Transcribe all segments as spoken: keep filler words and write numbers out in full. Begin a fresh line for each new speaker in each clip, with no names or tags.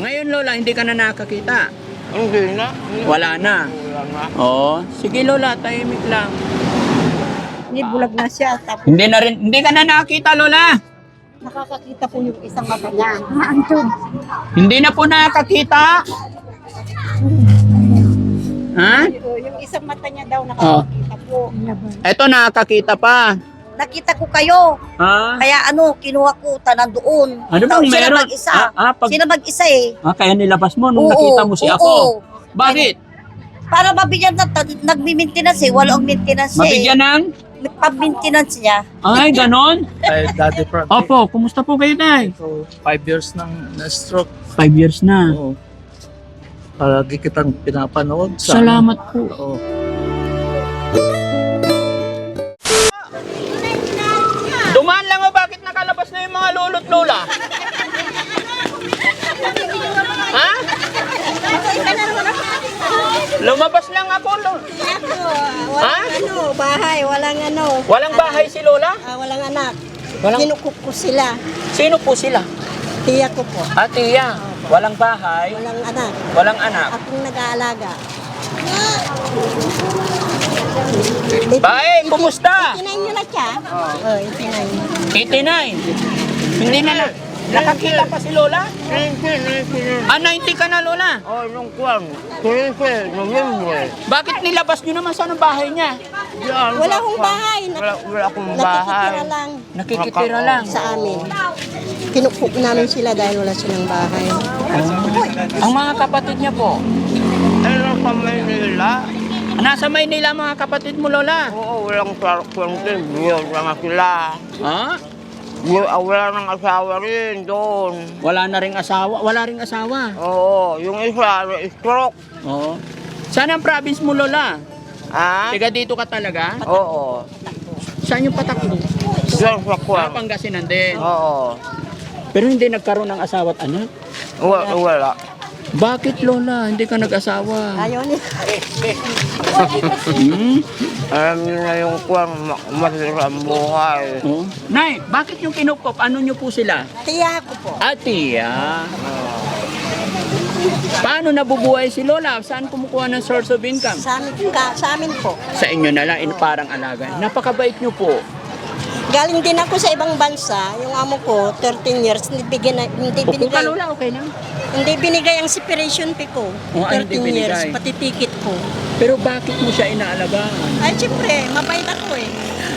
Ngayon, Lola, hindi ka na nakakita?
Hindi na.
Wala na?
Wala na.
Oo. Sige, Lola, tahimik lang.
Hindi, bulag na siya. Tapos
Hindi na rin, hindi ka na nakakita, Lola?
nakakakita po yung isang mata niya. Ah, Anton.
Hindi na po nakakita? Ha?
Yung, yung isang mata niya daw nakakakita po.
Eto, nakakita pa.
Nakita ko kayo.
Ha?
Kaya ano, kinuha ko tanan doon.
Ano
Daw,
bang
sila
meron?
mag-isa.
Ah, ah, pag,
Sila mag-isa eh.
ah, kaya nilabas mo nung
Oo,
nakita mo si
oo.
ako. Bakit?
Para mabigyan na, nagmi-maintenance eh. Wala ang maintenance eh.
Mabigyan ng?
Pag-maintenance niya.
Ay, ganon?
Ay, Daddy Frankie.
Opo, kumusta po kayo, Tay?
So, five years nang na-stroke.
Five years na.
Oo. Palagi kitang pinapanood. Sa
Salamat po.
Oo.
Dumaan lang o bakit nakalabas na yung mga lolo't lola? Ha? Lumabas lang ako, lo. Ha?
Ano, bahay, walang ano.
Walang bahay si Lola?
Ah, walang anak.
Walang...
Kinukuk ko sila.
Sino po sila?
Tiya ko po.
Ah, tiya. Walang bahay,
Walang anak.
walang anak.
Akong nag-aalaga.
Bae, kumusta?
Itinayin nyo na siya? Oo, oh, itinayin.
eighty-nine. Hindi na na. Nakakita pa si Lola? Ah, ninety ka na, Lola?
Oh, nung kwan. Tuwing November.
Bakit nilabas nyo naman sa anong bahay niya?
Yan.
Wala akong bahay. Nak-
Wala, wala akong bahay.
Nakikitira lang
Nakikitira lang.
sa amin. Kinukuk namin sila dahil wala silang bahay.
Ang mga kapatid niya po,
Ano pa Maynila?
nasa Maynila mga kapatid mo, Lola.
Oo, walang kwantin. Buwan lang sila.
Ha?
Bu- ah, Wala nang asawa rin doon.
Wala na ring asawa, wala ring asawa.
Oo, yung isa, stroke.
Oo. Saan ang province mo, Lola?
Ah?
Tiga dito ka talaga?
Oo.
Saan yung patak mo?
Diyan sa
Ah,
kwan.
Pangasinan din.
Oo.
Pero hindi nagkaroon ng asawa at anak?
Wala. wala.
Bakit, Lola? Hindi ka nag-asawa?
Ayaw niya.
Hmm?
Alam niyo na yung kwan, ma- masirang buhay.
Oh. Nay, bakit yung kinukop? Ano nyo po sila?
Tiya ko po.
Atiya. Paano nabubuhay si Lola? Saan kumukuha ng source of income?
Sa amin, ka, sa amin po.
Sa inyo na lang, in parang alaga. Napakabait nyo po.
Galing din ako sa ibang bansa. Yung amo ko, thirteen years, hindi, bigyan, na- hindi
Upo ka,
binigay.
Lola, okay lang.
Hindi binigay ang separation fee ko.
Oh, ay, hindi
thirteen years,
binigay.
pati ticket ko.
Pero bakit mo siya inaalagaan?
Ay, siyempre, mabait ako eh.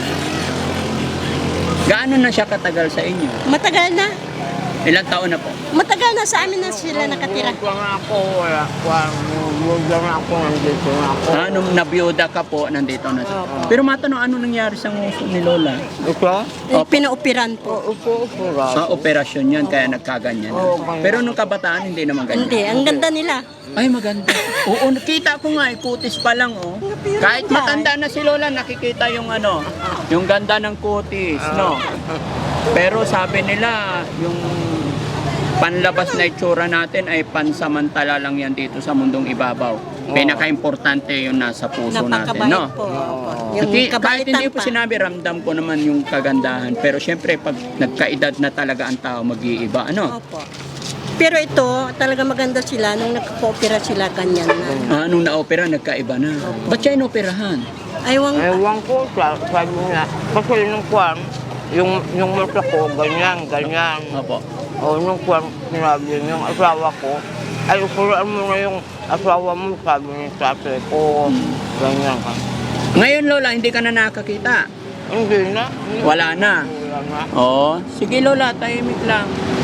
Gaano na siya katagal sa inyo?
Matagal na.
Ilang taon na po?
Matagal na sa amin na sila nakatira.
Kwan ako, wala. Kwan, buwan na ako, nandito na ako.
Ah, nung nabiyuda ka po, nandito na siya. Pero matanong, ano nangyari sa nguso ni Lola?
Ito?
Eh, Pinaupiran po.
Upo, upo,
Sa operasyon yan, kaya nagkaganyan.
Oo, ganyan.
Pero nung kabataan, hindi naman ganyan.
Hindi, ang ganda nila.
Ay, maganda. Oo, nakita ko nga, eh, kutis pa lang, oh. Kahit matanda na si Lola, nakikita yung ano, yung ganda ng kutis, no? Pero sabi nila, yung panlabas na itsura natin ay pansamantala lang yan dito sa mundong ibabaw. Pinaka-importante yung nasa puso natin,
Napakabait
no?
po. Opo. Yung
Hindi, kahit
kabaitan
hindi po
pa.
sinabi, ramdam ko naman yung kagandahan. Pero syempre, pag nagkaedad na talaga ang tao, mag-iiba, ano?
Opo. Pero ito, talaga maganda sila. Nung nagpo-opera sila, ganyan na.
Ah, nung na-opera, nagkaiba na. Ba't siya inoperahan?
Aywang,
Ewan ko, sa- sabi niya. Kasi nung kwan, yung, yung mata ko, ganyan, ganyan.
Opo.
O nung kwan, sinabi niya, yung asawa ko, ay ukulaan mo na yung asawa mo, sabi ni tatay ko. Ganyan ka.
Ngayon, Lola, hindi ka na nakakita.
Hindi na. Hindi.
Wala na.
Wala na.
Oo. Sige, Lola, tahimik lang.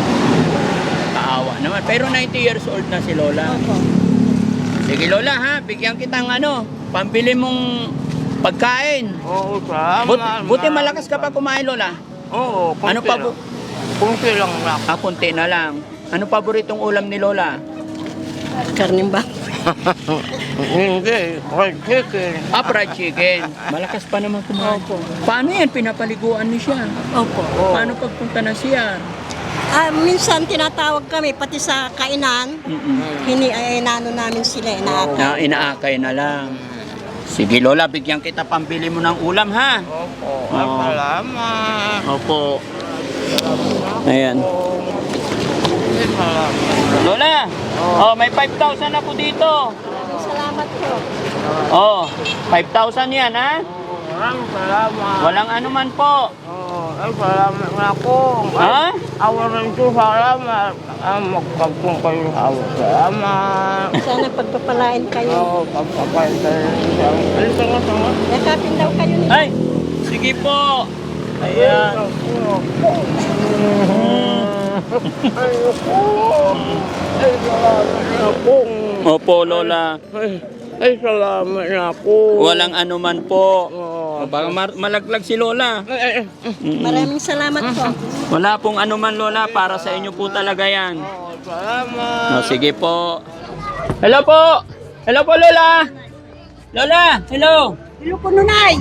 Kaawa naman. Pero ninety years old na si Lola.
opo.
Sige, Lola, ha? Bigyan kitang ano, pambili mong pagkain.
Oo, salamat.
But, buti malakas ka pa kumain, Lola.
Oo, kunti
Ano pa
lang.
bu-
Kunti lang na.
Ah, kunti na lang. Ano paboritong ulam ni Lola?
Karning ba?
Hindi, fried chicken.
Ah, fried chicken. Malakas pa naman kumain. Paano yan? Pinapaliguan niyo siya.
Opo.
Oo.
Paano pagpunta na siya?
Ah, minsan tinatawag kami, pati sa kainan,
Mm-mm.
hini, ay, inano namin sila, inaaka.
Na inaakay na lang. Sige, Lola, bigyan kita pambili mo ng ulam, ha?
Opo,
Oo.
ay salamat.
Opo. Ayan.
Ay, salamat.
Lola, oh, may five thousand ako dito.
Maraming salamat po.
Oh, five thousand yan, ha?
Maraming salamat.
Walang anuman po.
Oh, ay, salamat na ako.
Ha?
Awa rin ko, salamat. Ah, magpagpong kayo awa. Salamat.
Sana pagpapalain kayo.
Oo, pagpapayos kayo. Ay, tanga, tanga.
Yakapin daw kayo ni
Ay, sige po. Ayan.
Ay, ako. Ay, salamat na ako.
Opo, Lola.
Ay, ay, salamat na ako.
Walang anuman po.
Oo.
Baka mar- malaglag si Lola.
Ay, ay, ay.
Mm-mm.
Maraming salamat po.
Wala pong anuman, Lola. Para sa inyo po talaga yan.
Oo, salamat.
Oh, sige po. Hello po. Hello po, Lola. Lola, hello.
Hello po, Nunay.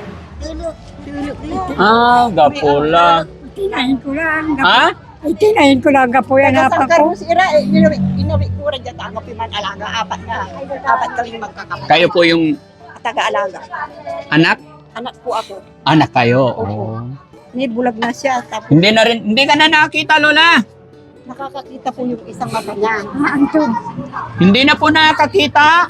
Ah, gapula.
Tinahin ko lang.
Ha?
Ay, tinahin ko lang gapo yan hapa
Tagasangkar
ko.
mo si Ira, eh, inuwi, inuwi ko rin dyan, tanggap man alaga, apat na, apat kaming magkakapatid.
Kayo po yung
Taga-alaga.
anak?
Anak po ako.
Anak kayo. Oh.
Ni bulag na siya, tapos
Hindi na rin, hindi ka na nakakita, Lola.
nakakakita po yung isang mata niya.
Ah, Anton.
Hindi na po nakakita.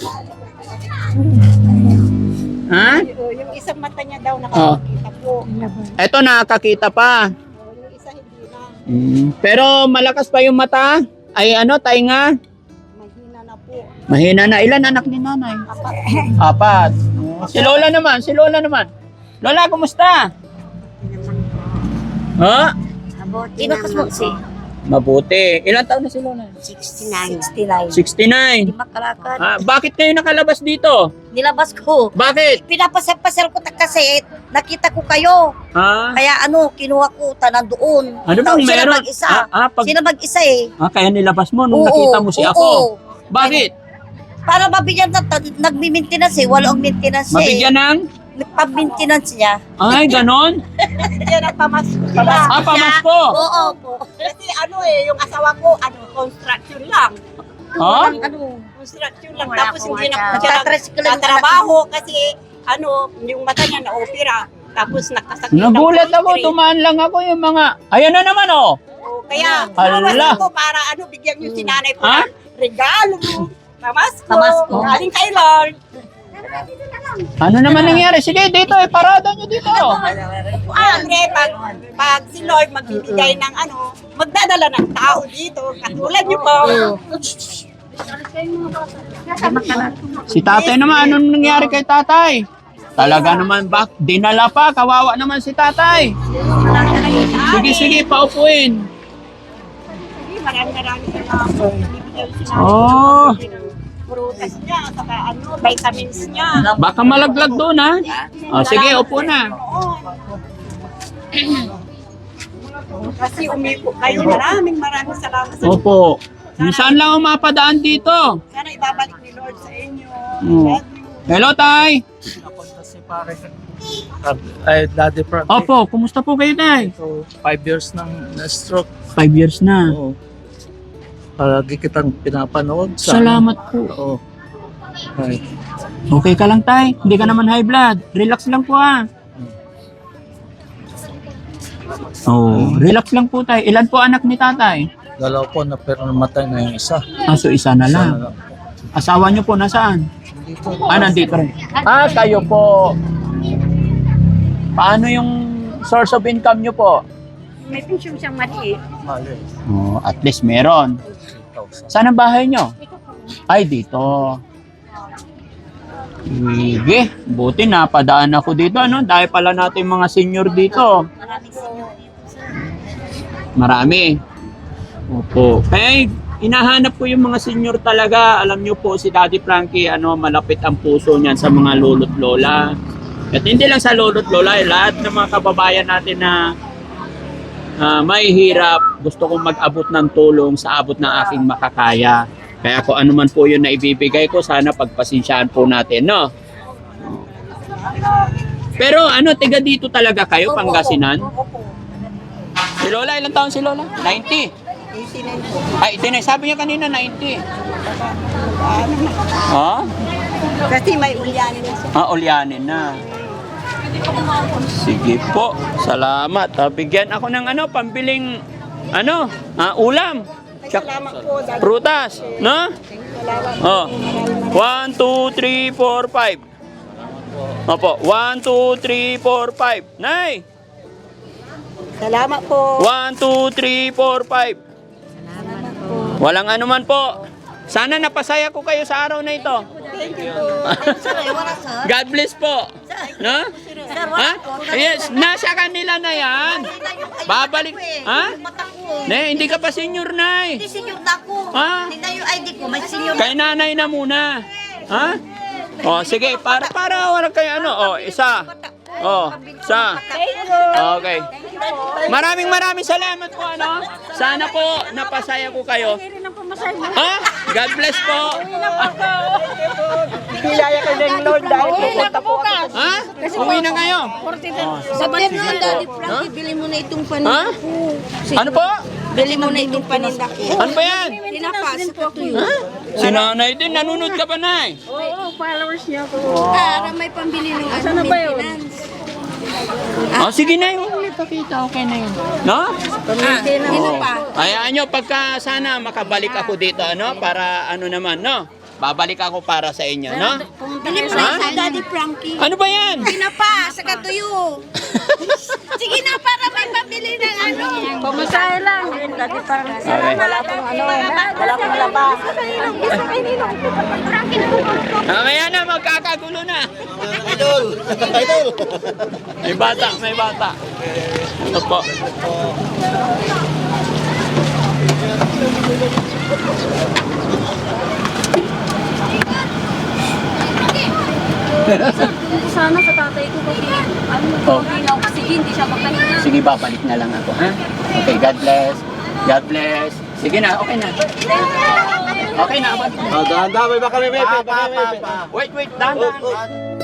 Ha?
Yung, yung isang mata niya daw nakakakita po.
Eto, nakakita pa.
Yung isa hindi na,
Mm. Pero malakas pa yung mata. Ay ano, tainga.
mahina na po.
Mahina na. Ilan anak ni nanay?
Apat.
Apat. Si Lola naman, si Lola naman. Lola, kumusta? Ha?
Inakas mo si
Mabuti. Ilan taon na si Lola?
sixty-nine. sixty-nine.
sixty-nine.
Makalakad.
Ah, bakit kayo nakalabas dito?
Nilabas ko.
Bakit?
Pinapasal-pasal ko ta- kasi nakita ko kayo.
Ah,
Kaya ano, kinuha ko tanan doon.
ano bang
Tapos sila
meron?
mag-isa.
Ah, ah, pag,
Sila mag-isa eh.
ah, kaya nilabas mo nung
Oo,
nakita mo si
oo.
ako. Bakit?
Para mabigyan na, nagmi-maintenance eh. Walang maintenance siya
Mabigyan ng?
eh. Pag-maintenance niya.
Ay, ganon?
Yan ang pamas
Ah, pamasko.
Oo po. Kasi ano eh, yung asawa ko, ano, construction lang.
Ha?
Walang ano, construction lang.
Wala
Tapos
akong
hindi na
wala.
po siya nagtatrabaho kasi ano, yung mata niya na-opera. Tapos nakasakit. ng
Nagulat ako,
poultry.
dumaan lang ako yung mga... Ayan na naman, oh.
Oo, Kaya,
Hala.
namas ko para ano, bigyan yung sinanay ko
Ha?
ng regalo. Namasko.
Namasko.
Galing kay Lord.
Ano naman nangyari? Sige, dito, eh, parada nyo dito.
Andre, pag, pag si Lord magbibigay ng ano, magdadala ng tao dito. Katulad niyo po.
Si tatay naman, anong nangyari kay tatay? Talaga naman, bak, dinala pa, kawawa naman si tatay. Sige, sige, paupuin.
Maraming maraming salamat. Bibigyan si Nanay
Oh.
ng prutas niya, saka ano, vitamins niya.
Baka malaglag doon, ha? O, sige, upo na.
Oo. Kasi umipo kayo. Maraming maraming salamat sa
Opo. Saan lang ako mapadaan dito?
Sana ibabalik ni Lord sa inyo.
Oo.
Love you.
Hello, tay.
Napunta si pare ay Daddy Frank.
Opo, kumusta po kayo, tay?
So, five years nang na-stroke.
Five years na.
Oo. Palagi kitang pinapanood. sa-
Salamat po.
Oo. Ay,
Okay ka lang, tay? Hindi ka naman high blood. Relax lang po, ha? Oh, relax lang po, tay. Ilan po anak ni tatay?
dalaw po na pero namatay na yung isa.
Aso isa na
Isa
lang.
na lang.
Asawa niyo po nasaan?
Dito.
Ah, nandito rin. Ah, kayo po. Paano yung source of income niyo po?
May pension siyang maliit.
Mali.
Oh, at least meron.
three thousand.
Saan ang bahay niyo? Ay, dito. Sige, buti napadaan ako dito, ano? Dahil pala natin mga senior dito. Marami. Opo. Kaya inahanap ko yung mga senior talaga. Alam niyo po, si Daddy Frankie, ano, malapit ang puso niyan sa mga lolo't lola. At hindi lang sa lolo't lola, eh, lahat ng mga kababayan natin na ah, may hirap, gusto kong mag-abot ng tulong sa abot ng aking makakaya. Kaya kung ano man po yun na ibibigay ko, sana pagpasensyahan po natin, no? Pero ano, tiga dito talaga kayo, Pangasinan? Si Lola, ilang taon si Lola? ninety.
eighty-nine po.
Ay, tinay, sabi niya kanina ninety. Ha?
Kasi may ulyanin na siya.
Ah, ulyanin na. Sige po, salamat. Ah, bigyan ako ng ano, pambiling, ano, ah, ulam. Tsak-
Salamat po. Dad.
Prutas, no? Oh. One, two, three, four, five. Opo. One, two, three, four, five. Nay!
Salamat po.
One, two, three, four, five. Walang anuman po. Sana napasaya ko kayo sa araw na ito.
Thank you po.
God bless po. No? Ha? Yes, nasa kanila na yan. Babalik. Ha? Ne, hindi ka pa senior, Nay.
Hindi senior na ako.
Ha?
Hindi na yung I D ko, may senior.
Kay nanay na muna. Ha? O, sige, para para wala kayo ano. O, isa. O, isa. Okay. Maraming maraming salamat po, ano. Sana po napasaya ko kayo. Ha? God bless po.
Bilaya ka ng Lord dahil pupunta po ako.
Ha? Uwi na kayo.
Sabi mo, Daddy Frankie, bili mo na itong
Ha?
paninda ko.
Ano po?
Bili mo na itong paninda ko.
Ano ba yan?
Tinapas ko tuyo.
Si nanay din, nanunod ka ba, Nay?
Oo, followers niya po.
Para may pambili ng ano, maintenance.
O, sige na yung pakita. Okay na yun. No?
Ah, sino pa?
Hayaan nyo, pagka sana makabalik ako dito, ano? Para ano naman, no? Babalik ako para sa inyo, no?
Bili mo
Ha?
na sa Daddy Frankie.
Ano ba yan?
Tinapas, saka tuyo. Sige na, para may pambili ng ano.
Pamasahe lang. Lagi parang
Okay.
Wala pong ano, wala pong labas.
Mamaya na, magkakagulo na. Idol! Idol! May bata, may bata. Ito po.
Sana sa tatay ko kasi ano,
Oh.
hindi na oxygen, hindi siya makahinga.
Sige, babalik na lang ako, ha? Okay, God bless. God bless. Sige na, okay na. Okay na, balik na.
Ah, dahan-dahan, may baka may may.
Pa, pa, pa, pa. Wait, wait, dahan, dahan.